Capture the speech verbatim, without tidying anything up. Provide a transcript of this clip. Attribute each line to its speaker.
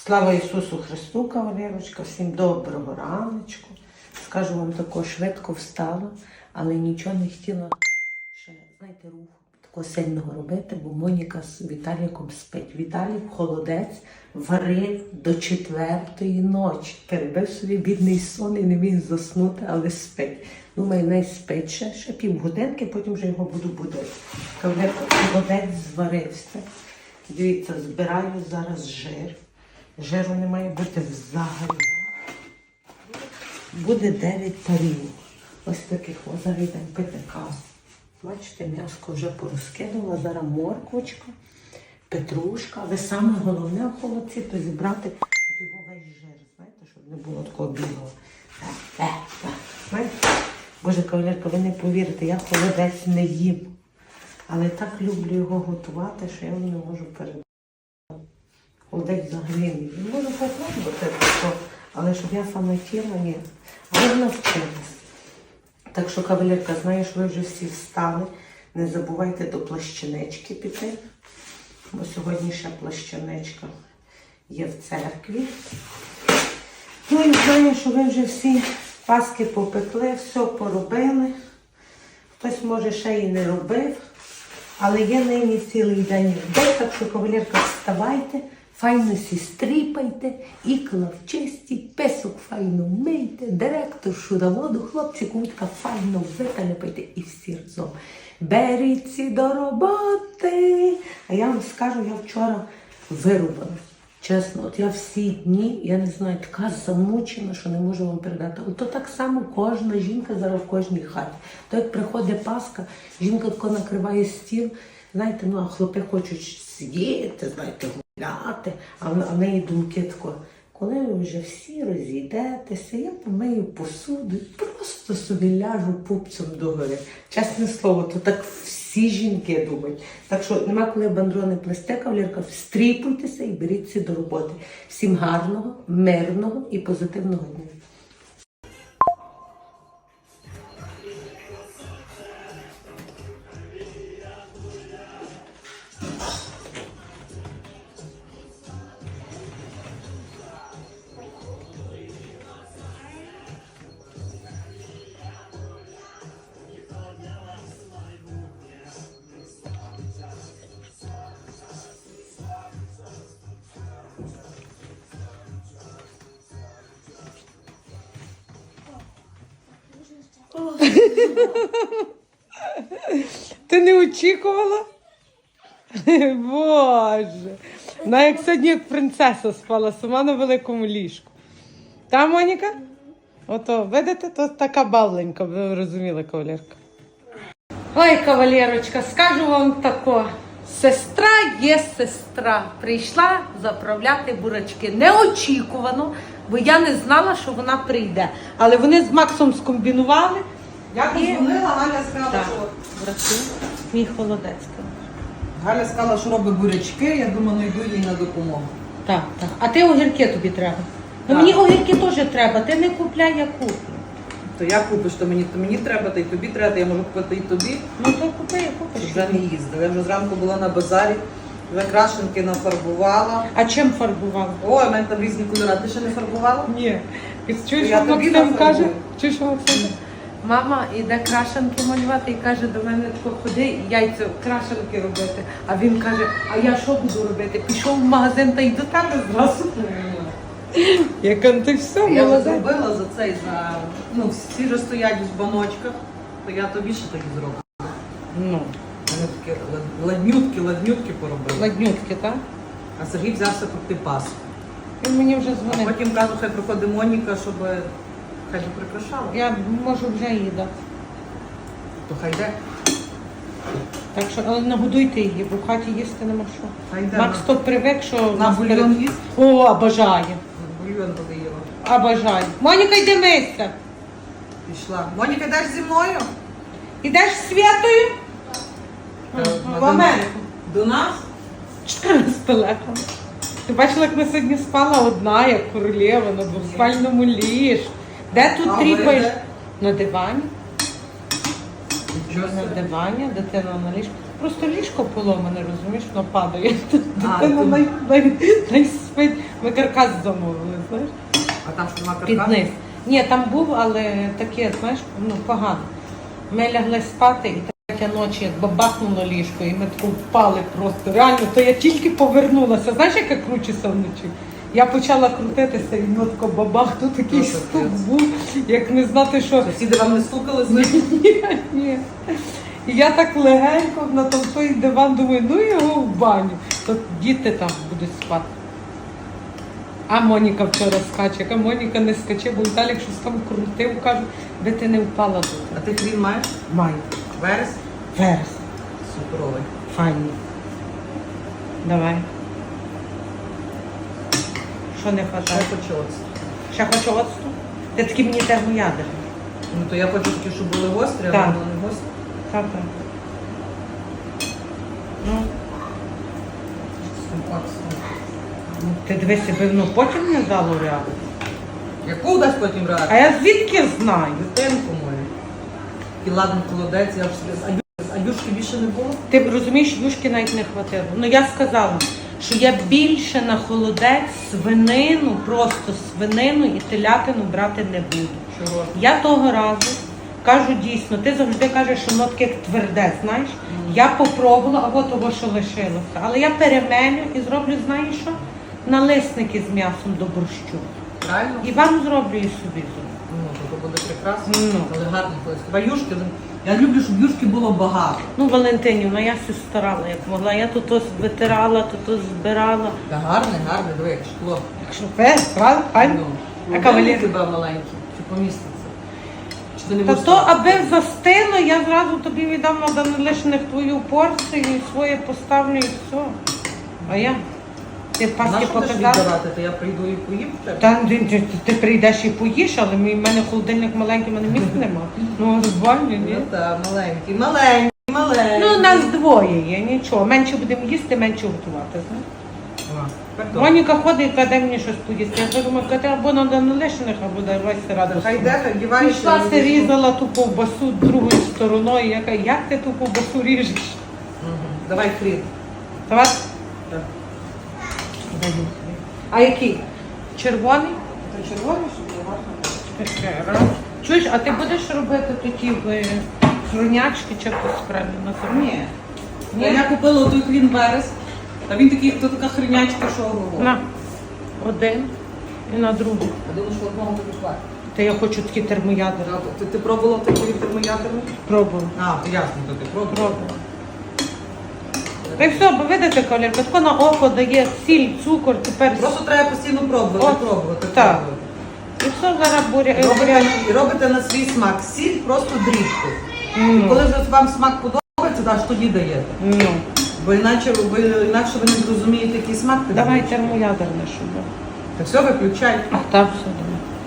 Speaker 1: Слава Ісусу Христу, кавалерочка, всім доброго раночку. Скажу вам, тако швидко встала, але нічого не хотіла ще, знаєте, руху такого сильного робити, бо Моніка з Віталіком спить. Віталік холодець варив до четвертої ночі. Перебив собі бідний сон і не міг заснути, але спить. Думаю, не спить ще, ще півгодинки, потім вже його буду будити. Кавалерка, холодець зварився. Дивіться, збираю зараз жир. Жиру не має бути взагалі. Буде дев'ять тарілок. Ось таких. Ось зараз йдемо пити каву. Бачите, м'яско вже порозкинула. Зараз морквочка, петрушка. Але саме головне в холодці, то зібрати його весь жир. Знаєте, щоб не було такого білого. Е, е, е. Знаєте? Боже, кавалерка, ви не повірите, я холодець не їм. Але так люблю його готувати, що я вам не можу передати. Холодець взагалі не їм. Можу попробувати, але щоб я саме тіла, ні. Але навчилась. Так що, кавалерка, знаю, що ви вже всі встали. Не забувайте до плащанички піти. Бо сьогодні ще плащаничка є в церкві. Ну і знаю, що ви вже всі паски попекли, все поробили. Хтось, може, ще і не робив. Але є нині цілий день день, так що, кавалерка, вставайте, файно сі стріпайте, ікла вчистіть, песок файно мийте, директор шуроводу, хлопці, кутка файно випалюйте і всі разом. Беріться до роботи. А я вам скажу, я вчора вирубала. Чесно, от я всі дні, я не знаю, така замучена, що не можу вам передати. От то так само кожна жінка зараз в кожній хаті. То як приходить Пасха, жінка тако накриває стіл, знаєте, ну а хлопи хочуть сидіти, знаєте, гуляти, а в, а в неї думки тако. Коли ви вже всі розійдетеся, я помию посуду, просто собі ляжу пупцем догори. Чесне слово, то так всі жінки думають. Так що нема коли бандрони плести, кавалерка, встріпуйтеся і беріться до роботи. Всім гарного, мирного і позитивного дня.
Speaker 2: Ти не очікувала? Боже. Вона як сьогодні як принцеса спала сама на великому ліжку. Та, Моніка? Ото, видите, то така бавленька, ви розуміли, кавалерка. Ой, кавалерочка, скажу вам тако. Сестра є сестра. Прийшла заправляти бурачки. Неочікувано, бо я не знала, що вона прийде. Але вони з Максом скомбінували.
Speaker 3: Я подзвонила, Галя сказала,
Speaker 2: Так,
Speaker 3: що...
Speaker 2: брати, мій холодець.
Speaker 3: Галя сказала, що робить бурячки, я думаю, ну йду їй на допомогу.
Speaker 2: Так, так. А ти огірки тобі треба. Ну
Speaker 3: Так.
Speaker 2: мені огірки теж треба, ти не купляй, я куплю.
Speaker 3: То я купиш, то мені, то мені треба, та й тобі треба, я можу купити і тобі.
Speaker 2: Ну то купи, я купиш.
Speaker 3: Вже не їздила. Я вже зранку була на базарі, вже крашенки нафарбувала.
Speaker 2: А чим фарбувала?
Speaker 3: Ой, у мене там різні кольори. Ти ще не фарбувала?
Speaker 2: Ні. Чуєш,
Speaker 3: Я
Speaker 2: що
Speaker 3: тобі
Speaker 2: Максим
Speaker 3: нафарбую.
Speaker 2: каже? Чуєш, що Максим? Мама іде крашенки малювати і каже до мене тако, ходи яйця крашенки робити. А він каже, а я що буду робити? Пішов в магазин та й до тебе зразу. Яка ти все,
Speaker 3: Я вже
Speaker 2: молодець.
Speaker 3: зробила за цей, за... Ну, всі ж стоять в баночках, то я тобі ще такі зроблю.
Speaker 2: Ну,
Speaker 3: Вони такі лад- ладнютки, ладнютки поробили.
Speaker 2: ладнютки, так?
Speaker 3: А Сергій взявся пекти паску.
Speaker 2: Він мені вже дзвонив.
Speaker 3: Потім кажу, хай приходить Моніка, щоб хай би прикрашала.
Speaker 2: Я можу вже її дати.
Speaker 3: То хай йде.
Speaker 2: Так що, але нагодуйте її, бо в хаті їсти нема що.
Speaker 3: Хай йде.
Speaker 2: Макс то привик, що...
Speaker 3: На
Speaker 2: нас
Speaker 3: бульйон
Speaker 2: перед-
Speaker 3: їсть?
Speaker 2: О, обожає.
Speaker 3: Бульйон буде їла.
Speaker 2: Обожає. Моніка, йди мийся.
Speaker 3: Пішла. Моніка, йдеш зі мною?
Speaker 2: Ідеш з Святою?
Speaker 3: Е,
Speaker 2: В Америку.
Speaker 3: До нас?
Speaker 2: Чотири з пелехами. Ти бачила, як ми сьогодні спала одна, як королева, на двоспальному ліжку. Де тут
Speaker 3: А
Speaker 2: тріпаєш?
Speaker 3: ви де?
Speaker 2: На дивані.
Speaker 3: Нічого
Speaker 2: На
Speaker 3: собі.
Speaker 2: дивані, дитина на ліжку. Просто ліжко поломане, розумієш, воно падає.
Speaker 3: А,
Speaker 2: Дитина
Speaker 3: то-
Speaker 2: най, най, най спить. Ми каркас замовили, знаєш,
Speaker 3: А там що нема
Speaker 2: під
Speaker 3: каркасу?
Speaker 2: низ. Ні, там був, але таке, знаєш, ну погано. Ми лягли спати і третя ночі, як бабахнуло ліжко, і ми тако впали просто. Реально, то я тільки повернулася. Знаєш, як я кручуся вночі? Я почала крутитися, і воно тако бабах, тут такий
Speaker 3: Ну,
Speaker 2: стук
Speaker 3: капець.
Speaker 2: був, як не знати, що.
Speaker 3: Сусіди вам не стукали з ним?
Speaker 2: Ні, ні. І я так легенько на там той диван думаю, ну його в баню. То діти там будуть спати. А Моніка вчора скаче, яка Моніка не скаче, бо Віталік щось там крутив, каже, де ти не впала тут.
Speaker 3: А ти хрін маєш?
Speaker 2: Маю.
Speaker 3: Верес?
Speaker 2: Верес.
Speaker 3: Суперовий.
Speaker 2: Файні. Давай. Що не
Speaker 3: Що
Speaker 2: хватає?
Speaker 3: я хочу оцет?
Speaker 2: Ще хочу оцту? Ти такі мені термоядерні.
Speaker 3: Ну то я хочу такі, щоб були гострі, а
Speaker 2: Так.
Speaker 3: воно не гострі.
Speaker 2: Так, так. Ну, ну, ти дивися, би воно потім не дало реагу.
Speaker 3: Яку дасть потім
Speaker 2: А
Speaker 3: реакцію?
Speaker 2: я звідки знаю?
Speaker 3: Дитинку мою. І ладно, холодець, я вже собі... А ю- А юшки більше не було?
Speaker 2: Ти розумієш, юшки навіть не хватило. Ну я сказала, що я більше на холодець свинину, просто свинину і телятину брати не буду.
Speaker 3: Чого?
Speaker 2: Я того разу кажу дійсно, ти завжди кажеш, що воно таке як тверде, знаєш. Я попробувала, або того, що лишилося. Але я перемелю і зроблю, знаєш що? Налисники з м'ясом до борщу.
Speaker 3: Правильно?
Speaker 2: І вам зроблю, і собі зроблю.
Speaker 3: Ну, то буде прекрасно,
Speaker 2: Ну.
Speaker 3: але гарно колись. Хіба юшки? Я люблю, щоб юшки було багато.
Speaker 2: Ну, Валентинівна, я все старала, як могла. Я тут ось витирала, тут ось збирала.
Speaker 3: Та гарне, гарне, диви, як шкло.
Speaker 2: Якщо пес, правда? Файно?
Speaker 3: Ну,
Speaker 2: А кавалер?
Speaker 3: тебе маленький, чи поміститься? Чи ти не
Speaker 2: Та
Speaker 3: будеш?
Speaker 2: то, аби застило, я зразу тобі віддам на данилишних твою порцію, і своє поставлю і все. А я? Ти
Speaker 3: На
Speaker 2: паски
Speaker 3: що будеш
Speaker 2: показала?
Speaker 3: віддавати? То я прийду і поїм в тебе?
Speaker 2: Та ти, ти, ти прийдеш і поїш, але мій- в мене холодильник маленький, в мене місця нема. Ну, розбавлю, ні?
Speaker 3: Ну так, маленький, маленький, маленький.
Speaker 2: Ну, нас двоє є, нічого. Менше будемо їсти, менше готувати, знаєш.
Speaker 3: А, тепер добре.
Speaker 2: Моніка ходить і кладе мені щось поїсти. Я кажу, Катя, або на данилишних, або давай раду.
Speaker 3: Хай йде, хай дівається.
Speaker 2: Пішла се різала ту ковбасу другою стороною. Я кажу, як ти ту ковбасу ріжеш?
Speaker 3: Мгм. Давай хрін.
Speaker 2: Давай.
Speaker 3: Так.
Speaker 2: А який? Червоний?
Speaker 3: Це червоний, щоб було гарно.
Speaker 2: Таке, раз. Чуєш, а ти будеш робити такі е, хронячки чи якось правильно називати?
Speaker 3: Ні. Ні. Я купила той хрін верес, а він такий, то така хрінячка, що ого.
Speaker 2: На. Один і на другий.
Speaker 3: А думаю, що одного тобі хватить.
Speaker 2: Та я хочу такі термоядери.
Speaker 3: Ти, ти пробувала такий термоядерний?
Speaker 2: Пробую.
Speaker 3: А, то ясно, то ти пробувала.
Speaker 2: Пробую. Та й все, бо видите, колірка, тако на око дає сіль, цукор, тепер.
Speaker 3: Просто треба постійно пробувати,
Speaker 2: От,
Speaker 3: пробувати,
Speaker 2: так.
Speaker 3: пробувати.
Speaker 2: І все зараз буря.
Speaker 3: Робите, і робите на свій смак. Сіль просто дрібку. І
Speaker 2: Ну.
Speaker 3: коли вже вам смак подобається, аж тоді даєте.
Speaker 2: Ну.
Speaker 3: Бо іначе ви, інакше ви не зрозумієте, який смак ти
Speaker 2: Давай
Speaker 3: даєш.
Speaker 2: термоядерне, щоб.
Speaker 3: Та все, виключай.
Speaker 2: А там все.